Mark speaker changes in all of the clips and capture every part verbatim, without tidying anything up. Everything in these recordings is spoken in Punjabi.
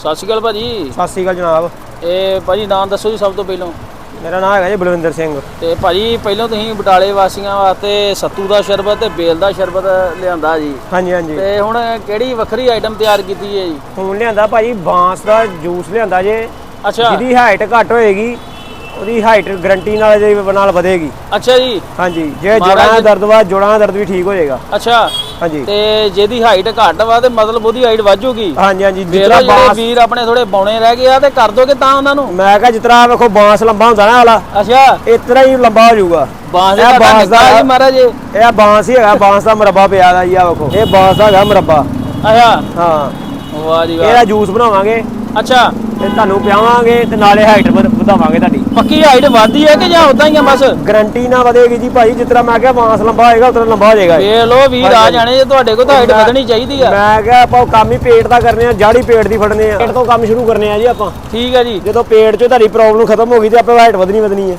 Speaker 1: ਸਤਿ ਸ਼੍ਰੀ ਅਕਾਲ ਭਾਜੀ।
Speaker 2: ਸਤਿ ਸ਼੍ਰੀ ਅਕਾਲ ਜਨਾਬ।
Speaker 1: ਇਹ ਭਾਜੀ ਨਾਮ ਦੱਸੋ ਜੀ ਸਭ ਤੋਂ ਪਹਿਲਾਂ।
Speaker 2: ਮੇਰਾ ਨਾਮ ਹੈਗਾ ਜੀ ਬਲਵਿੰਦਰ ਸਿੰਘ।
Speaker 1: ਤੇ ਭਾਜੀ ਪਹਿਲਾਂ ਤੁਸੀਂ ਬਟਾਲੇ ਵਾਸੀਆਂ ਵਾਸਤੇ ਸੱਤੂ ਦਾ ਸ਼ਰਬਤ ਤੇ ਬੇਲ ਦਾ ਸ਼ਰਬਤ ਲਿਆਂਦਾ ਜੀ।
Speaker 2: ਹਾਂਜੀ ਹਾਂਜੀ।
Speaker 1: ਤੇ ਹੁਣ ਕਿਹੜੀ ਵੱਖਰੀ ਆਈਟਮ ਤਿਆਰ ਕੀਤੀ ਹੈ ਜੀ?
Speaker 2: ਹੁਣ ਲਿਆਂਦਾ ਭਾਜੀ ਬਾਂਸ ਦਾ ਜੂਸ ਲਿਆਂਦਾ ਜੇ।
Speaker 1: ਅੱਛਾ।
Speaker 2: ਜਿਹਦੀ ਹਾਈਟ ਘੱਟ ਹੋਏਗੀ ਉਹਦੀ ਹਾਈਟ ਗਰੰਟੀ ਨਾਲ ਦੇ ਨਾਲ ਵਧੇਗੀ।
Speaker 1: ਅੱਛਾ ਜੀ।
Speaker 2: ਹਾਂਜੀ, ਜੇ ਜੋੜਾਂ ਦਾ ਦਰਦ ਵਾ ਜੋੜਾਂ ਦਾ ਦਰਦ ਵੀ ਠੀਕ ਹੋ ਜਾਏਗਾ।
Speaker 1: ਅੱਛਾ।
Speaker 2: ਹਾਂਜੀ।
Speaker 1: ਤੇ ਜਿਹਦੀ ਹਾਈਟ ਘੱਟ ਵਾ ਤੇ ਮਤਲਬ ਉਹਦੀ ਹਾਈਟ ਵੱਧ ਜੂਗੀ।
Speaker 2: ਹਾਂਜੀ ਹਾਂਜੀ।
Speaker 1: ਜਿਹੜਾ ਜਿਹੜੇ ਵੀਰ ਆਪਣੇ ਥੋੜੇ ਬੌਣੇ ਰਹਿ ਗਏ ਆ ਤੇ ਕਰ ਦੋਗੇ ਤਾਂ ਉਹਨਾਂ ਨੂੰ। ਮੈਂ
Speaker 2: ਕਿਹਾ ਜਿਸ ਤਰ੍ਹਾਂ ਵੇਖੋ ਬਾਂਸ ਲੰਬਾ ਹੁੰਦਾ ਨਾ ਵਾਲਾ।
Speaker 1: ਅੱਛਾ।
Speaker 2: ਇਸ ਤਰ੍ਹਾਂ ਹੀ ਲੰਬਾ ਹੋ ਜਾਊਗਾ।
Speaker 1: ਬਾਂਸ ਦਾ ਬਾਂਸ ਦਾ ਜੀ ਮਹਾਰਾਜ।
Speaker 2: ਇਹ ਬਾਂਸ ਹੀ ਹੈਗਾ, ਬਾਂਸ ਦਾ ਮੁਰੱਬਾ ਪਿਆ ਦਾ ਜੀ। ਆ ਵੇਖੋ ਇਹ ਬਾਂਸ ਦਾ ਹੈਗਾ ਮੁਰੱਬਾ।
Speaker 1: ਅੱਛਾ।
Speaker 2: ਹਾਂ।
Speaker 1: ਵਾਹ ਜੀ ਵਾਹ।
Speaker 2: ਇਹਦਾ ਜੂਸ ਬਣਾਵਾਂਗੇ।
Speaker 1: ਅੱਛਾ।
Speaker 2: ਤੇ ਤੁਹਾਨੂੰ ਪਿਆਵਾਂਗੇ ਤੇ ਨਾਲੇ ਹਾਈਟ ਵਧਾਵਾਂਗੇ ਤੁਹਾਡੀ।
Speaker 1: ਪੱਕੀ ਹਾਈਟ ਵਧਦੀ ਹੈ ਕਿ ਜਾਂ ਉਦਾਂ ਹੀ ਆ ਬਸ?
Speaker 2: ਗਰੰਟੀ ਨਾਲ ਵਧੇਗੀ ਜੀ ਭਾਈ। ਜਿਸ ਤਰ੍ਹਾਂ ਮੈਂ ਕਿਹਾ ਬਾਂਸ ਲੰਬਾ ਹੋਏਗਾ ਉਤਨਾ ਲੰਬਾ ਹੋ ਜਾਏਗਾ।
Speaker 1: ਵੇਖ ਲੋ ਵੀਰ ਆ ਜਾਣੇ ਜੇ ਤੁਹਾਡੇ ਕੋਲ ਤਾਂ ਹਾਈਟ ਵਧਣੀ ਚਾਹੀਦੀ ਆ।
Speaker 2: ਮੈਂ ਕਿਹਾ ਆਪਾਂ ਕੰਮ ਹੀ ਪੇਟ ਦਾ ਕਰਨੇ ਆ, ਜੜ ਹੀ ਪੇਟ ਦੀ ਫੜਨੇ ਆ। ਪੇਟ ਤੋਂ ਕੰਮ ਸ਼ੁਰੂ ਕਰਨੇ ਆ ਜੀ ਆਪਾਂ।
Speaker 1: ਠੀਕ ਹੈ ਜੀ।
Speaker 2: ਜਦੋਂ ਪੇਟ 'ਚੋਂ ਤੁਹਾਡੀ ਪ੍ਰੋਬਲਮ ਖਤਮ ਹੋ ਗਈ ਤੇ ਆਪੇ ਹਾਈਟ ਵਧਣੀ ਵਧਣੀ ਹੈ।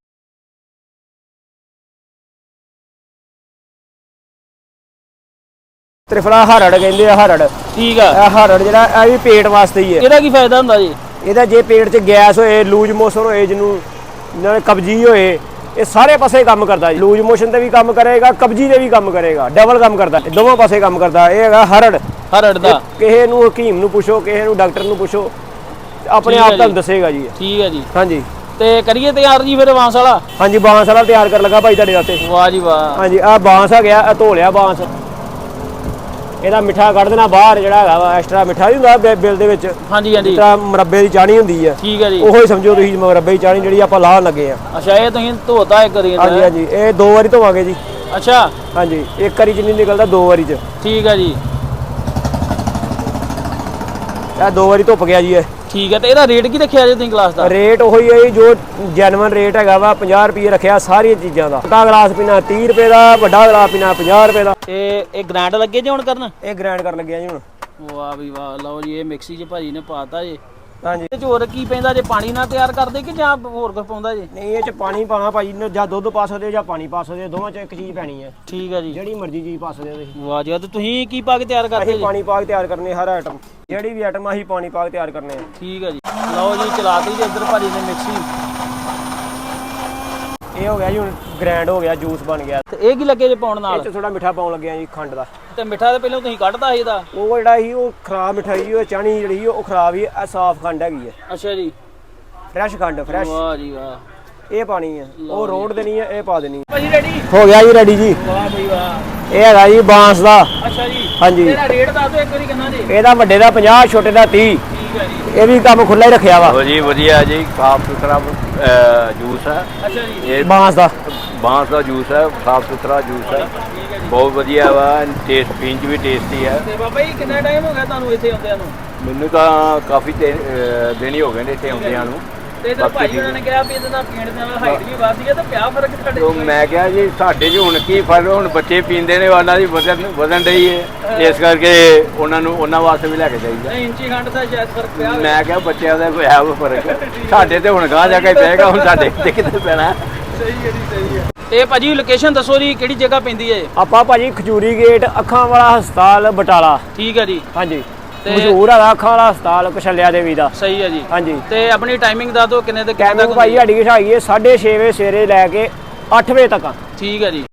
Speaker 2: ਤ੍ਰਿਫਲਾ ਹਰੜ ਕਹਿੰਦੇ ਆ, ਹਰੜ।
Speaker 1: ਠੀਕ ਆ।
Speaker 2: ਇਹ ਹਰੜ ਜਿਹੜਾ ਇਹ ਵੀ ਪੇਟ ਵਾਸਤੇ ਹੀ ਹੈ।
Speaker 1: ਇਹਦਾ ਕੀ ਫਾਇਦਾ ਹੁੰਦਾ ਜੀ?
Speaker 2: ਇਹਦਾ ਜੇ ਪੇਟ 'ਚ ਗੈਸ ਹੋਏ, ਲੂਜ ਮੋਸ਼ਨ ਹੋਏ, ਜਿਹਨੂੰ ਨਾਲ ਕਬਜੀ ਹੋਏ, ਇਹ ਸਾਰੇ ਪਾਸੇ ਕੰਮ ਕਰਦਾ ਜੀ। ਲੂਜ ਮੋਸ਼ਨ ਤੇ ਵੀ ਕੰਮ ਕਰੇਗਾ, ਕਬਜੀ ਤੇ ਵੀ ਕੰਮ ਕਰੇਗਾ, ਡਬਲ ਕੰਮ ਕਰਦਾ, ਦੋਵਾਂ ਪਾਸੇ ਕੰਮ ਕਰਦਾ। ਇਹ ਹੈਗਾ ਹਰੜ।
Speaker 1: ਹਰੜ ਦਾ
Speaker 2: ਕਿਸੇ ਨੂੰ ਹਕੀਮ ਨੂੰ ਪੁੱਛੋ, ਕਿਸੇ ਨੂੰ ਡਾਕਟਰ ਨੂੰ ਪੁੱਛੋ, ਆਪਣੇ ਆਪ ਤੁਹਾਨੂੰ ਦੱਸੇਗਾ ਜੀ।
Speaker 1: ਠੀਕ ਹੈ ਜੀ।
Speaker 2: ਹਾਂਜੀ।
Speaker 1: ਤੇ ਕਰੀਏ ਤਿਆਰ ਜੀ ਫਿਰ ਬਾਂਸ ਵਾਲਾ?
Speaker 2: ਹਾਂਜੀ, ਬਾਂਸ ਵਾਲਾ ਤਿਆਰ ਕਰਨ ਲੱਗਾ ਭਾਈ ਤੁਹਾਡੇ ਵਾਸਤੇ।
Speaker 1: ਵਾਹ ਜੀ ਵਾਹ।
Speaker 2: ਹਾਂਜੀ, ਆਹ ਬਾਂਸ ਆ ਗਿਆ, ਧੋ ਲਿਆ ਬਾਂਸ। ਇਹਦਾ ਮਿੱਠਾ ਕੱਢ ਦੇਣਾ ਬਾਹਰ, ਜਿਹੜਾ ਹੈਗਾ ਵਾ ਐਕਸਟਰਾ ਮਿੱਠਾ ਨਹੀਂ ਹੁੰਦਾ ਬਿੱਲ ਦੇ ਵਿੱਚ।
Speaker 1: ਹਾਂਜੀ ਹਾਂਜੀ।
Speaker 2: ਜਿੱਦਾਂ ਮੁਰੱਬੇ ਦੀ ਚਾਣੀ ਹੁੰਦੀ ਹੈ।
Speaker 1: ਠੀਕ ਹੈ ਜੀ।
Speaker 2: ਉਹੋ ਹੀ ਸਮਝੋ ਤੁਸੀਂ ਮੁਰੱਬੇ ਦੀ ਚਾਣੀ ਜਿਹੜੀ ਆਪਾਂ ਲਾਹਣ ਲੱਗੇ ਆ।
Speaker 1: ਅੱਛਾ, ਇਹ ਤੁਸੀਂ ਧੋਤਾ ਇੱਕ ਵਾਰੀ?
Speaker 2: ਹਾਂਜੀ ਹਾਂਜੀ, ਇਹ ਦੋ ਵਾਰੀ ਧੋਵਾਂਗੇ ਜੀ।
Speaker 1: ਅੱਛਾ।
Speaker 2: ਹਾਂਜੀ, ਇੱਕ ਵਾਰੀ ਚ ਨਹੀਂ ਨਿਕਲਦਾ, ਦੋ ਵਾਰੀ ਚ।
Speaker 1: ਠੀਕ ਹੈ ਜੀ।
Speaker 2: ਇਹ ਦੋ ਵਾਰੀ ਧੁੱਪ ਗਿਆ ਜੀ ਇਹ।
Speaker 1: ਠੀਕ ਹੈ। ਤੇ ਇਹਦਾ ਰੇਟ ਕੀ ਰੱਖਿਆ ਜੀ ਤੁਸੀਂ ਗਲਾਸ ਦਾ?
Speaker 2: ਰੇਟ ਉਹੀ ਹੈ ਜੋ ਜੈਨੂਅਨ ਰੇਟ ਹੈਗਾ ਵਾ, ਪੰਜਾਹ ਰੁਪਏ ਰੱਖਿਆ ਸਾਰੀਆਂ ਚੀਜ਼ਾਂ ਦਾ। ਛੋਟਾ ਗਲਾਸ ਪੀਣਾ ਤੀਹ ਰੁਪਏ ਦਾ, ਵੱਡਾ ਗਲਾਸ ਪੀਣਾ ਪੰਜਾਹ ਰੁਪਏ ਦਾ।
Speaker 1: ਇਹ ਇਹ ਗ੍ਰਾਈਂਡ ਲੱਗੇ ਜੀ ਹੁਣ ਕਰਨ?
Speaker 2: ਇਹ ਗ੍ਰਾਈਂਡ ਕਰਨ ਲੱਗਿਆ ਜੀ ਹੁਣ।
Speaker 1: ਵਾਹ ਵੀ ਵਾਹ। ਲਓ ਜੀ, ਇਹ ਮਿਕਸੀ 'ਚ ਭਾਜੀ ਨੇ ਪਾਤਾ ਜੀ।
Speaker 2: ਹਾਂਜੀ।
Speaker 1: ਇਹ 'ਚ ਹੋਰ ਕੀ ਪੈਂਦਾ ਜੇ? ਪਾਣੀ ਨਾਲ ਤਿਆਰ ਕਰਦੇ ਕਿ ਜਾਂ ਹੋਰ ਕੁਝ ਪਾਉਂਦਾ ਜੀ?
Speaker 2: ਨਹੀਂ, ਇਹ 'ਚ ਪਾਣੀ ਪਾਣਾ ਭਾਜੀ ਨੇ, ਜਾਂ ਦੁੱਧ ਪਾ ਸਕਦੇ ਹੋ ਜਾਂ ਪਾਣੀ ਪਾ ਸਕਦੇ ਹੋ, ਦੋਵਾਂ 'ਚ ਇੱਕ ਚੀਜ਼ ਪੈਣੀ ਹੈ।
Speaker 1: ਠੀਕ ਹੈ ਜੀ।
Speaker 2: ਜਿਹੜੀ ਮਰਜ਼ੀ ਚੀਜ਼ ਪਾ ਸਕਦੇ ਹੋ ਤੁਸੀਂ।
Speaker 1: ਵਾਹ ਜੀ। ਤੇ ਤੁਸੀਂ ਕੀ ਪਾ ਕੇ ਤਿਆਰ ਕਰਦੇ ਜੀ?
Speaker 2: ਅਸੀਂ ਪਾਣੀ ਪਾ ਕੇ ਤਿਆਰ ਕਰਨੇ ਹਰ ਆਈਟਮ, ਜਿਹੜੀ ਵੀ ਆਈਟਮ ਅਸੀਂ ਪਾਣੀ ਪਾ ਕੇ ਤਿਆਰ ਕਰਨੇ ਆ।
Speaker 1: ਠੀਕ ਹੈ ਜੀ। ਲਓ ਜੀ, ਚਲਾਤੀ ਜੀ ਇੱਧਰ ਭਾਜੀ ਨੇ ਮਿਕਸੀ।
Speaker 2: ਇਹ ਹੋ ਗਿਆ ਜੀ ਹੁਣ ਗ੍ਰਾਈਂਡ ਹੋ ਗਿਆ, ਜੂਸ ਬਣ ਗਿਆ।
Speaker 1: ਤੇ ਇਹ ਕੀ ਲੱਗੇ ਜੇ ਪਾਉਣ ਨਾਲ?
Speaker 2: ਇਹ 'ਚ ਥੋੜਾ ਮਿੱਠਾ ਪਾਉਣ ਲੱਗਿਆ ਜੀ, ਖੰਡ ਦਾ।
Speaker 1: ਤੇ ਮਿੱਠਾ ਤੇ ਪਹਿਲਾਂ ਤੁਸੀਂ ਕੱਢਦਾ ਸੀ ਇਹਦਾ?
Speaker 2: ਉਹ ਜਿਹੜਾ ਸੀ ਉਹ ਖਰਾਬ ਮਿਠਾਈ, ਉਹ ਚਾਣੀ ਜਿਹੜੀ ਉਹ ਖਰਾਬ ਹੀ, ਇਹ ਸਾਫ਼ ਖੰਡ ਹੈਗੀ ਹੈ।
Speaker 1: ਅੱਛਾ ਜੀ।
Speaker 2: ਫਰੈਸ਼ ਖੰਡ, ਫਰੈਸ਼।
Speaker 1: ਵਾਹ ਜੀ ਵਾਹ।
Speaker 2: ਇਹ ਪਾਣੀ ਹੈ, ਉਹ ਰੋੜ ਦੇਣੀ ਹੈ, ਇਹ ਪਾ ਦੇਣੀ ਹੈ।
Speaker 1: ਭਾਜੀ ਰੈਡੀ
Speaker 2: ਹੋ ਗਿਆ ਜੀ, ਰੈਡੀ ਜੀ।
Speaker 1: ਵਾਹ ਬਈ ਵਾਹ।
Speaker 2: ਇਹ ਹੈਗਾ ਜੀ ਬਾਂਸ ਦਾ।
Speaker 1: ਅੱਛਾ ਜੀ।
Speaker 2: ਹਾਂਜੀ।
Speaker 1: ਇਹਦਾ ਰੇਟ ਦੱਸ ਦਿਓ ਇੱਕ ਵਾਰੀ ਕਿੰਨਾ ਜੀ?
Speaker 2: ਇਹਦਾ ਵੱਡੇ ਦਾ ਪੰਜਾਹ, ਛੋਟੇ ਦਾ ਤੀਹ।
Speaker 1: ਠੀਕ ਹੈ ਜੀ।
Speaker 2: ਇਹ ਵੀ ਕੰਮ ਖੁੱਲਾ ਹੀ ਰੱਖਿਆ ਵਾ।
Speaker 3: ਜੀ ਵਧੀਆ ਜੀ, ਸਾਫ ਸੁਥਰਾ ਜੂਸ ਹੈ।
Speaker 1: ਅੱਛਾ ਜੀ।
Speaker 3: ਇਹ
Speaker 2: ਬਾਂਸ ਦਾ
Speaker 3: ਬਾਂਸ ਦਾ ਜੂਸ ਹੈ, ਸਾਫ ਸੁਥਰਾ ਜੂਸ ਹੈ, ਬਹੁਤ ਵਧੀਆ ਵਾ। ਟੇਸਟ ਪੀਣ 'ਚ ਵੀ ਟੇਸਟੀ ਹੈ।
Speaker 1: ਤੇ ਬਾਬਾ ਜੀ ਕਿੰਨਾ ਟਾਈਮ ਹੋ ਗਿਆ ਤੁਹਾਨੂੰ ਇੱਥੇ ਆਉਂਦਿਆਂ ਨੂੰ?
Speaker 3: ਮੈਨੂੰ ਤਾਂ ਕਾਫੀ ਦਿਨ ਹੀ ਹੋ ਗਏ ਨੇ ਇੱਥੇ ਆਉਂਦਿਆਂ ਨੂੰ।
Speaker 1: ਤੇ ਇਧਰ ਭਾਈ ਉਹਨਾਂ ਨੇ ਕਿਹਾ ਵੀ ਇਹਦੇ ਨਾਲ ਪੀਣ ਦੇ ਨਾਲ ਹਾਈਟ ਵੀ ਵੱਧਦੀ ਹੈ, ਤਾਂ ਪਿਆ ਫਰਕ ਤੁਹਾਡੇ
Speaker 3: ਤੋਂ ਮੈਂ ਕਿਹਾ ਜੀ ਸਾਡੇ 'ਚ ਹੁਣ ਕੀ ਫਰਕ, ਹੁਣ ਬੱਚੇ ਪੀਂਦੇ ਨੇ, ਉਹਨਾਂ ਦੀ ਵਜ਼ਨ ਵਧਣ ਰਹੀ ਹੈ, ਇਸ ਕਰਕੇ ਉਹਨਾਂ ਨੂੰ ਉਹਨਾਂ ਵਾਸਤੇ ਵੀ ਲੈ ਕੇ ਜਾਈਦਾ।
Speaker 1: ਇੰਚੀ ਖੰਡ ਦਾ ਸ਼ਾਇਦ ਫਰਕ ਪਿਆ।
Speaker 3: ਮੈਂ ਕਿਹਾ ਬੱਚਿਆਂ ਦਾ ਕੋਈ ਹੈ ਉਹ ਫਰਕ, ਸਾਡੇ ਤੇ ਹੁਣ ਗਾਂ ਜਾ ਕੇ ਪਏਗਾ, ਹੁਣ ਸਾਡੇ ਤੇ ਕਿੱਥੇ ਪੈਣਾ।
Speaker 1: ਸਹੀ ਹੈ ਜੀ, ਸਹੀ ਹੈ। ਤੇ ਭਾਜੀ ਲੋਕੇਸ਼ਨ ਦੱਸੋ ਜੀ, ਕਿਹੜੀ ਜਗ੍ਹਾ ਪੈਂਦੀ ਹੈ?
Speaker 2: ਆਪਾਂ ਭਾਜੀ ਖਜੂਰੀ ਗੇਟ, ਅੱਖਾਂ ਵਾਲਾ ਹਸਪਤਾਲ ਬਟਾਲਾ।
Speaker 1: ਠੀਕ ਹੈ ਜੀ।
Speaker 2: ਹਾਂਜੀ, ਮਸ਼ਹੂਰ ਹੈਗਾ ਅੱਖਾਂ ਵਾਲਾ ਹਸਪਤਾਲ ਕਸ਼ਲਿਆ ਦੇਵੀ ਦਾ।
Speaker 1: ਸਹੀ ਹੈ ਜੀ।
Speaker 2: ਹਾਂਜੀ।
Speaker 1: ਤੇ ਆਪਣੀ ਟਾਈਮਿੰਗ ਦੱਸ ਦਿਓ ਕਿੰਨੇ ਤੇ ਕਿੰਨੇ ਤੱਕ?
Speaker 2: ਭਾਈ ਸਾਡੀ ਹੈਗੀ ਹੈ ਸਾਢੇ ਛੇ ਵਜੇ ਸਵੇਰੇ ਲੈ ਕੇ ਅੱਠ ਵਜੇ ਤੱਕ।
Speaker 1: ਠੀਕ ਹੈ ਜੀ।